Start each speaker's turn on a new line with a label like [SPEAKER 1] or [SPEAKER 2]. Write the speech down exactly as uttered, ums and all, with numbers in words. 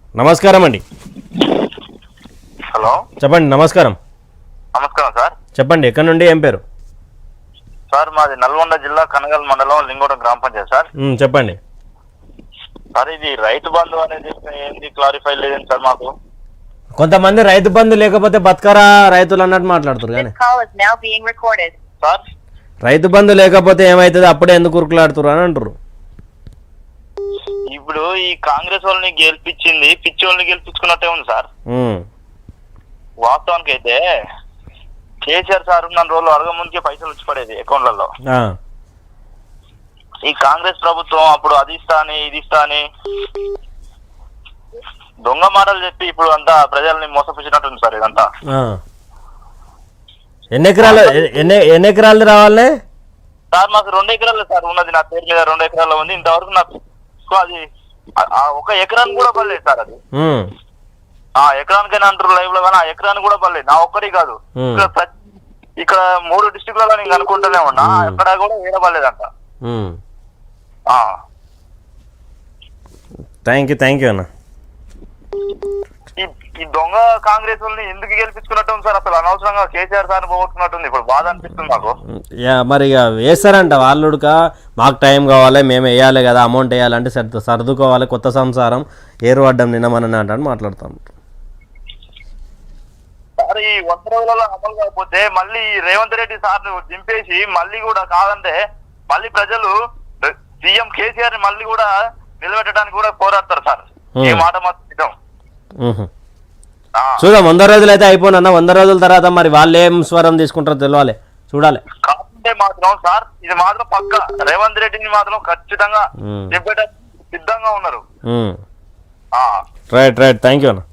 [SPEAKER 1] నమస్కారం అండి.
[SPEAKER 2] హలో
[SPEAKER 1] చెప్పండి. నమస్కారం.
[SPEAKER 2] నమస్కారం సార్.
[SPEAKER 1] చెప్పండి. ఎక్కడి నుండి, ఏం పేరు?
[SPEAKER 2] సార్ మాది నల్గొండ జిల్లా కనగల్ మండలం లింగోడం గ్రామ పంచాయతీ సార్.
[SPEAKER 1] ఉమ్, చెప్పండి.
[SPEAKER 2] సార్ ఇది రైతు బంధు అనేది ఏంది క్లారిఫై లేదండి సార్ మాకు.
[SPEAKER 1] కొంతమంది రైతు బంధు లేకపోతే బతకరా రైతులు అన్నట్టు మాట్లాడుతారు కానీ
[SPEAKER 3] This call is now being recorded.
[SPEAKER 2] Sir
[SPEAKER 1] Rythu Bandhu లేకపోతే ఏమవుతుంది, అప్పుడే ఎందుకు ఉరుకులాడుతురు అని అంటారు.
[SPEAKER 2] ఇప్పుడు ఈ కాంగ్రెస్ వాళ్ళని గెలిపించింది పిచ్చి వాళ్ళని గెలిపించుకున్నట్టే ఉంది సార్.
[SPEAKER 1] ఉమ్,
[SPEAKER 2] వాస్తవానికి అయితే కేసీఆర్ సార్ ఉన్న రోజులు అడగ ముందుకే పైసలు వచ్చి పడేది అకౌంట్లలో.
[SPEAKER 1] ఆ,
[SPEAKER 2] ఈ కాంగ్రెస్ ప్రభుత్వం అప్పుడు అది ఇస్తా అని ఇది ఇస్తా అని దొంగ మాటలు చెప్పి ఇప్పుడు అంతా ప్రజల్ని మోసపుచ్చినట్టుంది సార్ ఇదంతా.
[SPEAKER 1] ఆ. ఎన్ని ఎకరాలు ఎ- ఎన్ని ఎన్ని ఎకరాలు రావాలి?
[SPEAKER 2] సార్ మాకు రెండు ఎకరాలు సార్ ఉన్నది, నా పేరు మీద రెండు ఎకరాలు ఉంది. ఇంతవరకు నాకు అది ఆ- ఆ ఒక ఎకరాన్ని కూడా పడలేదు సార్. అది
[SPEAKER 1] ఉమ్,
[SPEAKER 2] ఆ ఎకరానికైనా అంటారు లైవ్ లో, కానీ ఆ ఎకరాన్ని కూడా పడలేదు. నా ఒక్కరి కాదు,
[SPEAKER 1] Hmm.
[SPEAKER 2] ఇక్కడ ప్రతి- ఇక్కడ మూడు డిస్ట్రిక్ట్లలో నేను అనుకుంటూనే ఉన్నా,
[SPEAKER 1] Hmm.
[SPEAKER 2] ఎక్కడ కూడా వేయబడలేదంట.
[SPEAKER 1] ఉమ్. థ్యాంక్ యూ థ్యాంక్ యూ అన్న.
[SPEAKER 2] ఈ ఈ దొంగ కాంగ్రెస్ వాళ్ళని ఎందుకు గెలిపించుకున్నట్టు ఉంది సార్? అసలు అనవసరంగా కేసీఆర్ సార్ పోగొట్టుకున్నట్టుంది. ఇప్పుడు బాధ అనిపిస్తుంది నాకు.
[SPEAKER 1] యా, మరి ఇక వేస్తారంట వాళ్ళుక మాకు టైం కావాలి, మేము వేయాలి కదా, అమౌంట్ వేయాలంటే సర్దు సర్దుకోవాలి, కొత్త సంసారం ఏరు పడ్డం నిన్నమని అంటాను మాట్లాడుతాం.
[SPEAKER 2] సార్ ఈ వంద రోజులలో అమలు కాకపోతే మళ్ళీ రేవంత్ రెడ్డి సార్ దింపేసి మళ్ళీ కూడా కాదంటే మళ్ళీ ప్రజలు సీఎం కేసీఆర్ ని మళ్ళీ కూడా నిలబెట్టడానికి కూడా పోరాడతారు సార్. ఈ మాట మాత్రం నిజం.
[SPEAKER 1] మ్హూ.
[SPEAKER 2] ఆ.
[SPEAKER 1] చూద్దాం, వంద రోజులు అయితే అయిపోయినా వంద రోజుల తర్వాత మరి వాళ్ళు ఏం స్వరం తీసుకుంటారో తెలియాలి, చూడాలి.
[SPEAKER 2] కాకుంటే మాత్రం సార్ ఇది మాత్రం పక్క రేవంత్ రెడ్డిని మాత్రం ఖచ్చితంగా
[SPEAKER 1] మ్.
[SPEAKER 2] దింపేట సిద్ధంగా ఉన్నారు.
[SPEAKER 1] మ్.
[SPEAKER 2] ఆ
[SPEAKER 1] రైట్ రైట్ థ్యాంక్ యూ అన్న.